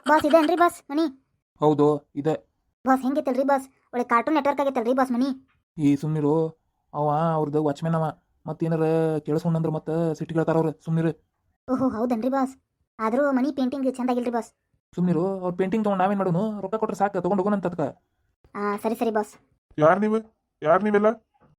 Boss ಇದೇನ್ರಿ boss money? ಹೌದು ಇದೆ. ಬಾಸ್ ಹೆಂಗಿತ್ತಲ್ರಿ ಬಾಸ್? ಒಳ್ಳೆ ಕಾರ್ಟೂನ್ ನೆಟ್ವರ್ಕ್ ಆಗೈತಲ್ರಿ ಬಾಸ್ ಮನಿ? ಈ ಸುಮ್ನಿರು. ಅವ ಅವ್ರದ್ದು ವಾಚ್ಮ್ಯಾನ್ ಅವ. ಮತ್ತೇನಾರ ಕೇಳಿಸ್ಕೊಂಡ್ರೆ ಮತ್ತೆ ಸಿಟ್ಟು ಕೇಳ್ತಾರ ಅವ್ರು. ಸುಮ್ನಿರು. ಓಹೋ ಹೌದನ್ರಿ ಬಾಸ್. ಆದರೂ ಮನಿ ಪೇಂಟಿಂಗ್ ಚಂದಾಗಿಲ್ರಿ ಬಾಸ್. ಸುಮ್ನಿರು. ಅವ್ರ ಪೇಂಟಿಂಗ್ ತೊಗೊಂಡು ನಾವೇನು ಮಾಡೋನು? ರೊಕ್ಕ ಕೊಟ್ರೆ ಸಾಕು, ತೊಗೊಂಡು ಹೋಗೋಣ ಅಂತ. ಸರಿ ಸರಿ ಬಾಸ್. ಯಾರು ನೀವೆಲ್ಲ?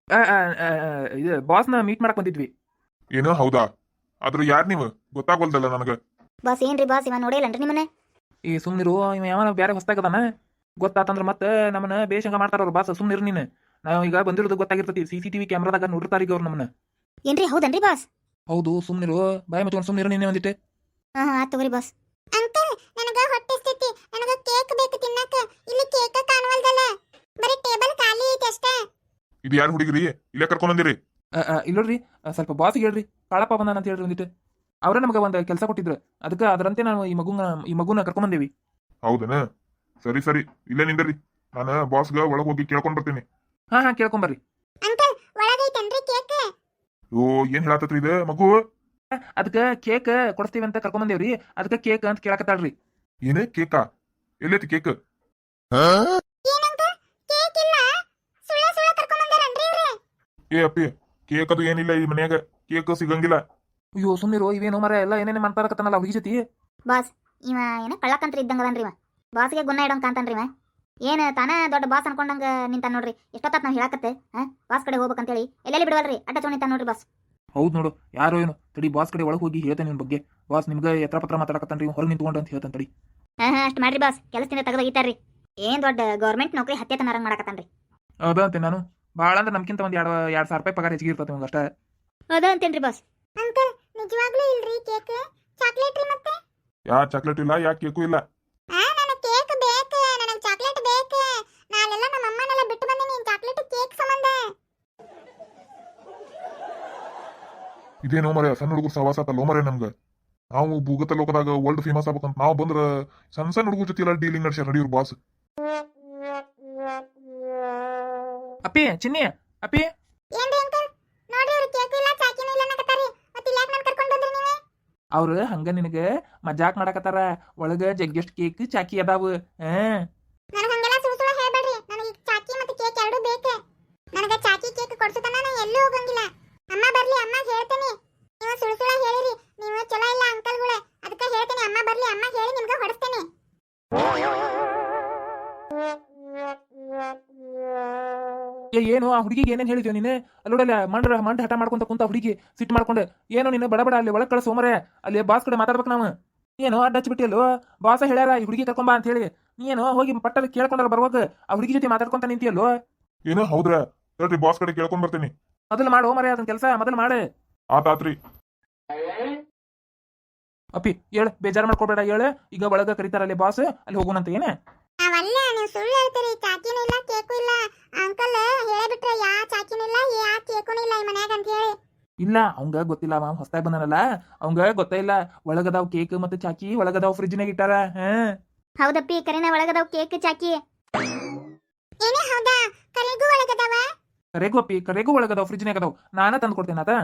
ಇದು ಬಾಸ್ನ ಮೀಟ್ ಮಾಡಕ್ ಬಂದಿದ್ವಿ. ಏನೋ ಹೌದಾ? ಆದ್ರೂ ಯಾರು ನೀವು ಗೊತ್ತಾಗೋಲ್ದಲ್ಲ ನನಗೆ. ಬಾಸ್ ಏನ್ರಿ ಬಾಸ್, ಇವ ನೋಡಿಲ್ಲನ್ರಿ ನಿಮ್ಮನೆ? ಈ ಸುಮ್ನಿರು. ಇವ ಯಾವ ಬೇರೆ ಹೊಸ್ತಾಗದಾನ ಗೊತ್ತಾತಂದ್ರೆ ಮತ್ತೆ ನಮ್ಮನ್ನ ಬೇಷಂಗ ಮಾಡ್ತಾರ ಅವ್ರು. ಬಾಸ್ ಸುಮ್ನಿರು ನೀನು. ನಾವು ಈಗ ಬಂದಿರೋದು ಗೊತ್ತಾಗಿರ್ತೈತಿ. CCTV ಕ್ಯಾಮ್ರಾದಾಗ ನೋಡಿರ್ತಾರ ಈಗ ಅವ್ರು ನಮ್ಮನ್ನ. ಏನ್ರಿ ಹೌದನ್ರಿ ಬಾಸ್? ಹೌದು. ಸುಮ್ನಿರು. ಬಾಯಿ ಮುಚ್ಕೊಂಡು ಸುಮ್ನಿರು ನೀನೇ ಒಂದಿಟ್ಟೆ. ಆತ್ ತಗೋರಿ ಬಾಸ್. ಅಂಕಲ್ ನನಗ ಹೊಟ್ಟೆ ಸ್ಥಿತಿ, ನನಗ ಕೇಕ್ ಬೇಕು ತಿನ್ನಕ. ಇಲ್ಲಿ ಕೇಕ ಕಾಣವಲ್ದಲ್ಲ, ಬರೀ ಟೇಬಲ್ ಖಾಲಿ ಐತಿ ಅಷ್ಟೇ. ಇದು ಯಾರು ಹುಡುಗಿರಿ? ಇಲ್ಲೇ ಕರ್ಕೊಂಡ್ ಬಂದಿರಿ? ಇಲ್ಲೋಡ್ರಿ, ಸ್ವಲ್ಪ ಬಾಸಿಗೆ ಹೇಳ್ರಿ. ಕಾಳಪ್ಪ ಬಂದಾನ ಅಂತ ಹೇಳ್ರಿ ಒಂದಿಟ್ಟು. ಅವರೇ ನಮಗೆ ಒಂದು ಕೆಲಸ ಕೊಟ್ಟಿದ್ರು. ಅದಕ್ಕೆ ಅದರಂತೆ ನಾವು ಈ ಮಗುನ ಕರ್ಕೊಂಬಂದೇವಿ. ಹೌದನ? ಸರಿ ಸರಿ, ಇಲ್ಲೇ ನಿಂದರಿ. ನಾನು ಬಾಸ್ಗ ಒಳಗೆ ಹೋಗಿ ಕೇಳ್ಕೊಂಡ್ ಬರ್ತೀನಿ. ಹಾ ಕೇಳ್ಕೊಂಬರ್ರಿ. Uncle ಒಳಗೈತನ್ರಿ cake? ಓ, ಏನ್ ಹೇಳತ್ತತ್ರಿ ಇದು ಮಗು? ಅದಕ್ಕೆ ಕೇಕ್ ಕೊಡಿಸ್ತೀವಿ ಅಂತ ಕರ್ಕೊಂಬಂದೇವ್ರಿ. ಅದಕ್ಕೆ ಕೇಕ್ ಅಂತ ಕೇಳಕತ್ತಾಳ್ರಿ. ಏನೇ ಕೇಕಾ? ಎಲ್ಲೈತಿ ಕೇಕ್? ಏನಂಕಲ್ ಕೇಕ್ ಇಲ್ಲ? ಸುಳ್ಳ ಸುಳ್ಳ ಕರ್ಕೊಂಡ್ ಬಂದಾರನ್ರಿ ಇವ್ರೆ? ಏ ಅಪ್ಪಿ, ಕೇಕ್ ಅದು ಏನಿಲ್ಲ ಈ ಮನ್ಯಾಗ. ಕೇಕ್ ಸಿಗಂಗಿಲ್ಲ. ಅಯ್ಯೋ ಸುಮ್ನಿರು. ಇವೇನು ಮರ ಎಲ್ಲ ಏನೇನೇ ಮಾಡ್ತಾರಕತ್ತಾನಲ್ಲ ಹುಡುಗಿ ಜೊತೆ. ಬಾಸ್ ಇವ ಏನ ಕಳ್ಳಕಂತ್ರ ಇದ್ದಂಗ ಅದನ್ರಿ ಇವ. ಬಾಸ್ಗೆ ಗುನ್ನ ಇಡೋಂಗ್ ಕಾಂತಾನ್ರಿ ಇವ. ಏನ್ ತಾನ ದೊಡ್ಡ ಬಾಸ್ ಅನ್ಕೊಂಡಂಗ ನಿಂತ ನೋಡ್ರಿ. ಎಷ್ಟೊತ್ತಾತ್ ನಾವ್ ಹೇಳಕತ್ತೆ ಬಾಸ್ ಕಡೆ ಹೋಗ್ಬೇಕಂತೇಳಿ. ಎಲ್ಲೆಲ್ಲಿ ಬಿಡವಲ್ರಿ, ಅಡ್ಡ ಚೋಣಿತ ನೋಡ್ರಿ ಬಾಸ್. ಹೌದು ನೋಡು. ಯಾರೋ ಏನು ತಡಿ, ಬಾಸ್ ಕಡೆ ಒಳಗೆ ಹೋಗಿ ಹೇಳ್ತೇನೆ ನಿನ್ ಬಗ್ಗೆ. ಬಾಸ್ ನಿಮ್ಗೆ ಎತ್ರ ಪತ್ರ ಮಾತಾಡಕತ್ತಾನ್ರಿ, ಹೊರಗೆ ನಿಂತ್ಕೊಂಡು ಅಂತ ಹೇಳ್ತಾನೆ ತಡಿ. ಅಷ್ಟ್ ಮಾಡ್ರಿ ಬಾಸ್, ಕೆಲಸದಿಂದ ತೆಗೆದೋಗಿತಾರ್ರಿ. ಏನ್ ದೊಡ್ಡ ಗೌರ್ಮೆಂಟ್ ನೌಕರಿ ಹತ್ತೆ ತನರಂಗ್ ಮಾಡಕತ್ತಾನ್ರಿ. ಅದ ಅಂತೆ ನಾನು. ಭಾಳ ಅಂದ್ರೆ ನಮ್ಗಿಂತ ಒಂದು 2,000 ರೂಪಾಯಿ ಪಗಾರ ಹೆಚ್ಚಿಗೆ ಇರ್ತದೆ ಅಷ್ಟೇ. ಅದ ಅಂತೇನ್ರಿ ಬಾಸ್. ಅಂಕಲ್ ನಿಜವಾಗ್ಲೂ ಇಲ್ರಿ ಕೇಕ್? ಚಾಕ್ಲೇಟ್ ರೀ ಮತ್ತೆ? ಯಾ ಚಾಕ್ಲೇಟ್ ಇಲ್ಲ, ಯಾ ಕೇಕು ಇಲ್ಲ. ನನಗೆ ಕೇಕ್ ಬೇಕು, ನನಗೆ ಚಾಕ್ಲೇಟ್ ಬೇಕು. ನಾಳೆಲ್ಲ ನಮ್ಮ ಅಮ್ಮನೆಲ್ಲ ಬಿಟ್ಟು ಬಂದೀನಿ ಚಾಕ್ಲೇಟ್ ಕೇಕ್ ಸಂಬಂಧ. ಇದೇನೋ ಮರೆ ಸಣ್ಣ ಹುಡುಗರು ಸವಾಸ ಆತಲ್ಲೋ ಮರೆ ನಮ್ಗೆ. ನಾವು ಭೂಗತ ಲೋಕದಾಗ ವರ್ಲ್ಡ್ ಫೇಮಸ್ ಆಗ್ಬೇಕಂತ ನಾವು ಬಂದ್ರ ಸಣ್ಣ ಸಣ್ಣ ಹುಡುಗರ ಜೊತೆ ಎಲ್ಲ ಡೀಲಿಂಗ್ ನಡ್ಸ್ಯಾರ ನಡಿವ್ರ ಬಾಸ್. ಅಪ್ಪಿ ಚಿನ್ನಿ, ಅಪ್ಪಿ ಏನ್ರಿ ಅಂಕಲ್? ನೋಡ್ರಿ ಇವ್ರು ಕೇಕ್ ಇಲ್ಲ ಚಾಕಿನೂ ಇಲ್ಲ ಅನ್ನಕತ್ತಾರಿ. ಮತ್ತೆ ಇಲ್ಲಿ ಯಾಕೆ ನಾನು ಕರ್ಕೊಂಡು ಬಂದ್ರಿ ನೀವೇ? ಅವ್ರು ಹಂಗ ನಿನಗೆ ಮಜಾಕ್ ಮಾಡಕತ್ತಾರ. ಒಳಗ ಜಗ್ಗೆಸ್ಟ್ ಕೇಕ್ ಚಾಕಿ ಅದಾವು. ನನಗೆ ಹಂಗೆಲ್ಲ ಸುಳ್ಳು ಸುಳ್ಳು ಹೇಳ್ಬೇಡ್ರಿ. ನನಗೆ ಚಾಕಿ ಮತ್ತೆ ಕೇಕ್ ಎರಡೂ ಬೇಕು. ನನಗೆ ಚಾಕಿ ಕೇಕ್ ಕೊಡ್ಸುತ್ತಾನ ನಾನು ಎಲ್ಲೂ ಹೋಗಂಗಿಲ್ಲ. ಅಮ್ಮ ಬರ್ಲಿ, ಅಮ್ಮ ಹೇಳ್ತೀನಿ. ನೀವು ಸುಳ್ಳು ಸುಳ್ಳು ಹೇಳಿರಿ, ನೀವು ಚಲೋ ಇಲ್ಲ ಅಂಕಲ್ಗಳೇ. ಅದಕ್ಕೆ ಹೇಳ್ತೀನಿ, ಅಮ್ಮ ಬರ್ಲಿ, ಅಮ್ಮ ಹೇಳಿ ನಿಮ್ಗೆ ಹೊಡಿಸ್ತೇನೆ. ಏನು ಆ ಹುಡುಗಿಗೆ ಏನೇನು ಹೇಳಿದ್ಯೋ ನೀನು? ಅಲ್ಲೋಡಲ್ಲ ಮಂಡ ಹಠ ಮಾಡ್ಕೊಂತ ಕುಂತ ಹುಡುಗಿ ಸಿಟ್ಟು ಮಾಡ್ಕೊಂಡು. ಏನೋ ನೀನು ಬಡಬಡ ಅಲ್ಲಿ ಒಳಗೆ ಕಳಿಸೋ ಮರೆ. ಅಲ್ಲಿ ಬಾಸ್ ಕಡೆ ಮಾತಾಡ್ಬೇಕು ನಾವು. ನೀನು ಅಡ್ಡ ಹಚ್ಚಿಬಿಟ್ಟಿಯಲ್ಲೋ. ಬಾಸ ಹೇಳ್ಯಾರ ಈ ಹುಡುಗಿ ಕರ್ಕೊಂಬಾ ಅಂತ ಹೇಳಿ. ನೀನು ಹೋಗಿ ಪಟ್ಟಲ್ಲಿ ಕೇಳ್ಕೊಂಡಲ್ಲ ಬರ್ವಾಗ ಆ ಹುಡುಗಿ ಜೊತೆ ಮಾತಾಡ್ಕೊಂತ ನಿಂತಿಯಲ್ಲೋ. ಏನೋ ಹೌದ್ರ? ಹೇಳ್ರಿ ಬಾಸ್ ಕಡೆ ಕೇಳ್ಕೊಂಡ್ ಬರ್ತೀನಿ. ಮೊದಲು ಮಾಡು ಮರೆ ಅದನ್ನ ಕೆಲಸ ಮೊದಲು ಮಾಡು. ಆತಾತ್ರಿ. ಅಪ್ಪಿ ಹೇಳು, ಬೇಜಾರು ಮಾಡ್ಕೊಬೇಡ ಹೇಳು. ಈಗ ಒಳಗ ಕರೀತಾರಲ್ಲಿ ಬಾಸ್, ಅಲ್ಲಿ ಹೋಗೋಣಂತ. ಏನೇ ಅವಲ್ಲ ನೀವು ಸುಳ್ಳು ಹೇಳ್ತೀರಿ. ಚಾಕಿನೂ ಇಲ್ಲ ಕೇಕು ಇಲ್ಲ. ಅಂಕಲ್ ಹೇಳಿಬಿಟ್ರೆ ಯಾ ಚಾಕಿನೂ ಇಲ್ಲ ಯಾ ಕೇಕೂ ಇಲ್ಲ ಈ ಮನ್ಯಾಗ ಅಂತ ಹೇಳಿ. ಇಲ್ಲ ಅವಂಗ ಗೊತ್ತಿಲ್ಲ. ಅವ ಹೊಸ್ತಾಗಿ ಬಂದಾನಲ್ಲ, ಅವಂಗ ಗೊತ್ತೇ ಇಲ್ಲ. ಒಳಗದಾವ್ ಕೇಕ್ ಮತ್ತೆ ಚಾಕಿ, ಒಳಗದಾವ್ ಫ್ರಿಜ್ನಾಗ ಇಟ್ಟಾರ. ಹೌದಪ್ಪಿ, ಕರೆನ ಒಳಗದಾವ್ ಕೇಕ್ ಚಾಕಿ. ಏನೇ ಹೌದಾ? ಕರೆಗೂ ಒಳಗದಾವ? ಕರೆಗೂ ಅಪ್ಪಿ, ಕರೆಗೂ ಒಳಗದಾವ್ ಫ್ರಿಜ್ನಾಗ ಅದಾವ್. ನಾನ ತಂದು ಕೊಡ್ತೇನೆ ಅದ.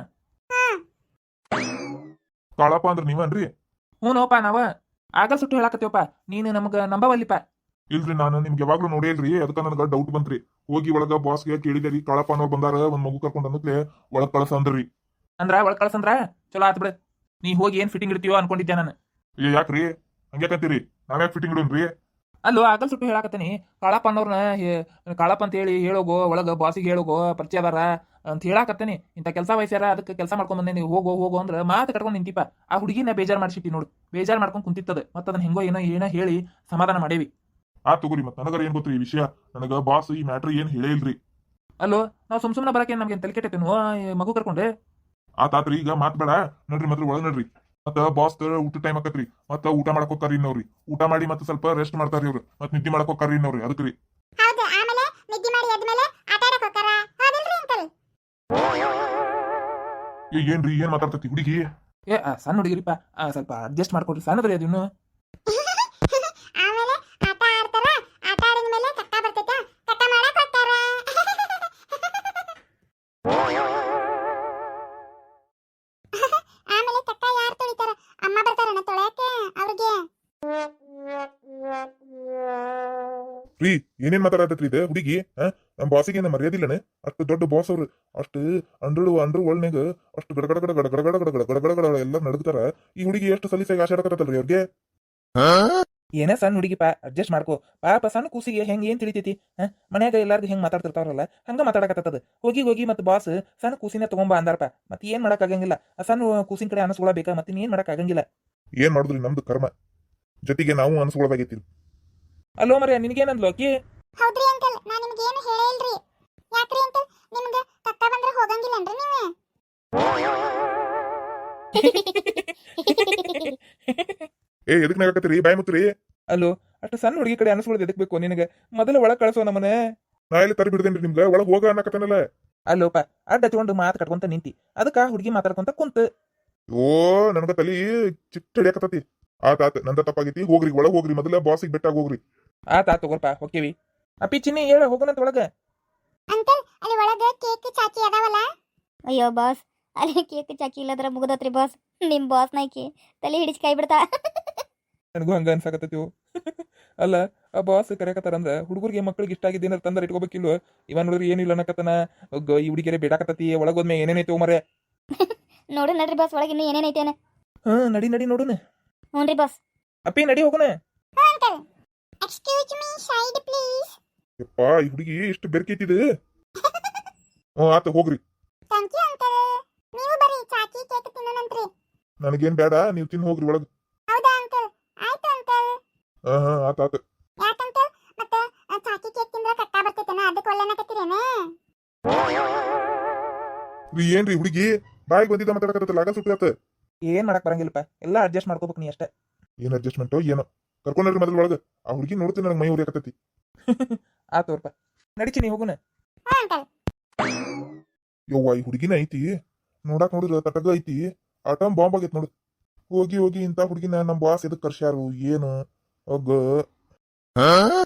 ಕಾಳಪ್ಪ ಅಂದ್ರ ನೀವನ್ರಿ? ಹ್ಞೂ ನೋಪ ನಾವ ಆಗ ಸುಟ್ಟು ಹೇಳಾಕತ್ತೀವಪ್ಪ. ನೀನು ನಮಗ ನಂಬವಲ್ಲಿಪ್ಪ. ಇಲ್ರಿ, ನಾನು ನಿಮ್ಗೆ ಯಾವಾಗ್ಲೂ ನೋಡಿಲ್ರಿ. ಅದಕ್ಕ ನನಗ ಡೌಟ್ ಬಂತ್ರಿ. ಹೋಗಿ ಒಳಗ ಬಾಸ್ಗೆ ಕೇಳಿದೇರಿ, ಕಾಳಪ್ಪ ಅನ್ನೋರು ಬಂದಾರ, ಒಂದ್ ಮಗು ಕರ್ಕೊಂಡ್ ಅನ್ನತ್ಲೆ ಒಳಗ್ ಕಳ್ಸ ಅಂದ್ರಿ. ಅಂದ್ರ ಒಳಗ್ ಕಳ್ಸಂದ್ರ ಚಲೋ ಆತ್ ಬಿಡ. ನೀ ಹೋಗಿ ಏನ್ ಫಿಟ್ಟಿಂಗ್ ಇಡ್ತೀವೋ ಅನ್ಕೊಂಡಿದ್ದೆ ನಾನು. ಯಾಕ್ರಿ ಹಂಗ್ಯಾಕಂತೀರಿ? ನಾವ್ಯಾಕ್ ಫಿಟ್ಟಿಂಗ್ ಇಡೋನ್ರಿ? ಅಲ್ಲೋ ಆಗಲ್ ಸುಟ್ಟು ಹೇಳಾಕತ್ತೀನಿ. ಕಾಳಪ್ಪ ಅನ್ನೋರ್ನ ಕಾಳಪ್ಪ ಅಂತ ಹೇಳಿ ಹೇಳೋಗೋ, ಒಳಗ ಬಾಸಿಗೆ ಹೇಳೋಗೋ, ಪರಿಚಯ ಅದಾರ ಅಂತ ಹೇಳಾಕತ್ತೇನಿ. ಇಂಥ ಕೆಲಸ ವಯಸ್ಸ್ಯಾರ, ಅದಕ್ಕೆ ಕೆಲಸ ಮಾಡ್ಕೊಂಡ್ ಬಂದೇನಿ. ಹೋಗೋ ಅಂದ್ರೆ ಮಾತು ಕಟ್ಕೊಂಡು ನಿಂತಿಪ್ಪ. ಆ ಹುಡುಗಿನ ಬೇಜಾರ್ ಮಾಡ್ಸಿಟ್ಟಿ ನೋಡು. ಬೇಜಾರ್ ಮಾಡ್ಕೊಂಡು ಕುಂತಿತ್ತದ. ಮತ್ತೆ ಅದನ್ನ ಹೆಂಗೋ ಏನೋ ಹೇಳಿ ಸಮಾಧಾನ ಮಾಡೇವಿ. ಆ ತಗೋರಿ. ಮತ್ ನನಗರ ಏನ್ ಗೊತ್ತ್ರಿ ಈ ವಿಷಯ? ನನಗ ಬಾಸ್ ಈ ಮ್ಯಾಟ್ರ್ ಏನ್ ಹೇಳೇ ಇಲ್ರಿ. ಅಲ್ಲೋ ನಾವು ಸುಮ್ನೆ ಬರಕ್ಕೆ ನಮ್ಗೆ ತಲೆ ಕೆಟ್ಟೇನು ಮಗು ಕರ್ಕೊಂಡೆ. ಆತಾತ್ರಿ, ಈಗ ಮಾತ್ ಬೇಡ ನಡ್ರಿ. ಮಾತ್ರ ಒಳಗ್ ನಡ್ರಿ. ಮತ್ತ ಬಾಸ್ ಊಟ ಟೈಮ್ ಆಕತ್ರಿ. ಮತ್ತ ಊಟ ಮಾಡಕ್ ಹೋಗ್ತಾರಿ ಇನ್ನವ್ರಿ. ಊಟ ಮಾಡಿ ಮತ್ತೆ ಸ್ವಲ್ಪ ರೆಸ್ಟ್ ಮಾಡ್ತಾರಿ ಅವ್ರು. ಮತ್ ನಿದ್ದೆ ಮಾಡಕ್ ಹೋಗ್ತಾರಿ ಇನ್ನವ್ರಿ. ಅದಕ್ರಿ. ಹೌದು, ಆಮೇಲೆ ನಿದ್ದೆ ಮಾಡಿ ಆದ್ಮೇಲೆ ಆಟ ಆಡಕ್ ಹೋಗ್ತಾರ. ಹೌದಿಲ್ರಿ ಅಂಕಲ್? ಏನ್ರಿ ಏನ್ ಮಾತಾಡ್ತತಿ ಹುಡುಗಿ? ಸಣ್ಣ ಹುಡುಗಿರಿಪ್ಪ, ಸ್ವಲ್ಪ ಅಡ್ಜಸ್ಟ್ ಮಾಡ್ಕೊಡ್ರಿ. ಸಣ್ಣದ್ರಿ ಅದು ಇನ್ನು. ಆಮೇಲೆ ಆಟ ಆಡ್ತಾರ. ಆಟ ಆಡಿದ್ಮೇಲೆ ಕಟ್ಟ ಬರ್ತೈತ, ಕಟ್ಟ ಮಾಡಕ್ ಹೋಗ್ತಾರ. ಆಮೇಲೆ ಕಟ್ಟ ಯಾರು ತೊಳಿತಾರ? ಅಮ್ಮ ಬರ್ತಾರನ ತೊಳ್ಯಾಕೆ ಅವ್ರಿಗೆ? ರೀ ಏನೇನ್ ಮಾತಾಡತ್ರಿ ಇದು ಹುಡುಗಿ ನಮ್ ಬಾಸಿಗೆ ಏನ ಮರ್ಯಾದಿಲ್ಲನೆ ಅಷ್ಟು ದೊಡ್ಡ ಬಾಸ್ ಅವ್ರು ಅಷ್ಟು ಅಂಡ್ರ ಒಳ್ನಾಗ ಅಷ್ಟು ಗಡಗಡ ಗಡ ಗಡ ಗಡ ಗಡ ಗಡ ಗಡ ಗಡ ಎಲ್ಲ ನಡಗ್ತಾರ ಈ ಹುಡುಗಿ ಎಷ್ಟು ಸಲೀಸಾಗಿ ಆಶಾಡಕತ್ತಲ್ರಿ ಅವ್ರಿಗೆ ಏನೇ ಸಣ್ಣ ಹುಡುಗಿ ಅಡ್ಜಸ್ಟ್ ಮಾಡ್ಕೋ ಪಾಪ ಸಣ್ಣ ಕೂಸಿಗೆ ಹೆಂಗ್ ಏನ್ ತಿಳಿತೈತಿ ಮನ್ಯಾಗ ಎಲ್ಲಾರ್ಗು ಹೆಂಗ್ ಮಾತಾಡ್ತಿರ್ತಾರಲ್ಲ ಹಂಗ ಮಾತಾಡಕತ್ತದ ಹೋಗಿ ಹೋಗಿ ಮತ್ತೆ ಬಾಸ್ ಸಣ್ಣ ಕೂಸಿನ ತಗೊಂಬ ಅಂದಾರಪ್ಪ ಮತ್ತೆ ಏನ್ ಮಾಡಕ್ ಆಗಂಗಿಲ್ಲ ಆ ಸಣ್ಣ ಕೂಸಿನ ಕಡೆ ಅನಸ್ಕೊಳಬೇಕಾ ಮತ್ತೆ ಏನ್ ಮಾಡಕ್ ಆಗಂಗಿಲ್ಲ. ಏನ್ ಮಾಡುದ್ರಿ ನಮ್ದು ಕರ್ಮ ಜೊತೆಗೆ ನಾವು ಅನ್ಸ್ಕೊಳ್ದಾಗೈತಿ. ಅಲ್ಲೋ ಮರ ನಿನಗೇನಂದ್ಲು ಆಕಿ? ಹೌದ್ರಿ ಅಂಕಲ್ ನಾ ನಿಮ್ಗೆ ಏನು ಹೇಳೇ ಇಲ್ರಿ. ಯಾಕ್ರಿ ಅಂಕಲ್ ನಿಮ್ಗೆ ಕಕ್ಕ ಬಂದ್ರೆ ಹೋಗಂಗಿಲ್ಲನ್ರಿ ನೀವು? ಎದಕ್ ನಾಗಕತ್ತೀರಿ ಬಾಯ್ ಮುತ್ರಿ? ಅಲ್ಲೋ ಅಷ್ಟು ಸಣ್ಣ ಹುಡುಗಿ ಕಡೆ ಅನಸ್ಕೊಳ್ಳೋದು ಎದಕ್ ಬೇಕು ನಿನಗೆ? ಮೊದಲು ಒಳಗ್ ಕಳ್ಸೋ ನಮ್ಮನೆ. ನಾ ಎಲ್ಲಿ ತರಿ ಬಿಡ್ತೇನ್ರಿ ನಿಮ್ಗ ಒಳಗ್ ಹೋಗ ಅನ್ನಕತ್ತೇನಲ್ಲ. ಅಲ್ಲೋಪ ಅಡ್ಡ ಹಚ್ಕೊಂಡು ಮಾತು ಕಟ್ಕೊಂತ ನಿಂತಿ ಅದಕ್ಕ ಹುಡುಗಿ ಮಾತಾಡ್ಕೊಂತ ಕುಂತ. ಓ ನನಗ ತಲಿ ಚಿಟ್ಟ ಹಿಡಿಯಕತ್ತತಿ. ಆತ ನಂದ ತಪ್ಪಾಗೈತಿ ಹೋಗ್ರಿ ಒಳಗ್ ಹೋಗ್ರಿ ಮೊದಲ ಬಾಸಿಗೆ ಬೆಟ್ಟಾಗ ಹೋಗ್ರಿ. ಆತ ತಗೋರ್ಪ ಹೊಕ್ಕೇವಿ. ಅಪ್ಪಿ ಚಿನ್ನಿ ಹೇಳ ಹೋಗೋಣಂತ ಒಳಗ. ಅಂಕಲ್ ಅಲ್ಲಿ ಒಳಗೆ ಕೇಕ್ ಚಾಕಿ ಅದಾವಲ್ಲ? ಅಯ್ಯೋ ಬಾಸ್ ಅಲ್ಲಿ ಕೇಕ್ ಚಾಕಿ ಇಲ್ಲದ್ರ ಮುಗದತ್ರಿ ಬಾಸ್. ನಿಮ್ ಬಾಸ್ ನಾಯ್ಕಿ ತಲೆ ಹಿಡಿಸಿ ಕೈ ಬಿಡ್ತಾ. ನನಗೂ ಹಂಗ ಅನ್ಸಾಕತ್ತೈತಿ. ಅಲ್ಲ ಆ ಬಾಸ್ ಕರೆಯಕತ್ತಾರಂದ್ರ ಹುಡುಗರಿಗೆ ಮಕ್ಳಿಗೆ ಇಷ್ಟ ಆಗಿದ್ದು ಏನಾರ ತಂದ್ರೆ ಇಟ್ಕೋಬೇಕಿಲ್ವ? ಇವನ್ ನೋಡ್ರಿ ಏನಿಲ್ಲ ಅನ್ನಕತ್ತನ ಈ ಹುಡುಗಿಯರೇ ಬೇಡಾಕತ್ತತಿ ಒಳಗೋದ್ಮೆ ಏನೇನೈತಿ ಮರೆ. ನೋಡು ನಡ್ರಿ ಬಾಸ್ ಒಳಗೆ ಇನ್ನು ಏನೇನೈತೇನ. ನಡಿ ನಡಿ ನೋಡುನ. ಹ್ಞೂನ್ರಿ ಬಾಸ್. ಅಪ್ಪಿ ನಡಿ ಹೋಗೋಣ. Uncle excuse me side please. ಯಪ್ಪ ಈ ಹುಡುಗಿ ಎಷ್ಟು ಬೆರ್ಕೈತಿದೆ. ಆತ ಹೋಗ್ರಿ. Thank you uncle. ನೀವು ಬರೀ ಚಾಕಿ ಕೇಕ್ ತಿನ್ನೋಣಂತ್ರಿ. ನನಗೇನ್ ಬೇಡ ನೀವ್ ತಿನ್ ಹೋಗ್ರಿ ಒಳಗ್. ಹೌದಾ ಅಂಕಲ್? ಆಯ್ತು ಅಂಕಲ್. ಆತ ಯಾಕಂಕಲ್ ಮತ್ತೆ ಚಾಕಿ ಕೇಕ್ ತಿಂದ್ರೆ ಕಟ್ಟ ಬರ್ತೈತೇನ ಅದಕ್ಕೆ ಒಳ್ಳೆನಕತ್ತೀರೇನ? ಏನ್ರಿ ಹುಡುಗಿ ಬಾಯಿಗೆ ಬಂದಿದ್ದ ಮಾತಾಡಕತ್ತಲ್ಲ ಆಗ ಸುಟ್ಟಾತ. ಏನ್ ಮಾಡಕ್ ಬರಂಗಿಲ್ಲಪ್ಪ ಎಲ್ಲ ಅಡ್ಜಸ್ಟ್ ಮಾಡ್ಕೋಬೇಕು ನೀ ಅಷ್ಟೇ. ಏನ್ ಅಡ್ಜಸ್ಟ್ಮೆಂಟೋ ಏನೋ ಕರ್ಕೊಂಡ್ರಿ ಮೊದಲು ಒಳಗ. ಆ ಹುಡುಗಿ ನೋಡ್ತೀನಿ ನನಗೆ ಮೈ ಉರಿಯಾಕತ್ತೈತಿ. ಆತೋರ್ಪ ನಡಿಚಿ ನೀ ಹೋಗುನ. ಹಾ ಅಂಕಲ್. ಯವ್ವ ಈ ಹುಡುಗಿನ ಐತಿ ನೋಡಾಕ್ ನೋಡಿದ್ರ ತಟಗ ಐತಿ ಆಟಮ್ ಬಾಂಬ್ ಆಗೈತಿ ನೋಡು. ಹೋಗಿ ಹೋಗಿ ಇಂತ ಹುಡುಗಿನ ನಮ್ ಬಾಸ್ ಎದಕ್ ಕರ್ಸ್ಯಾರು ಏನು?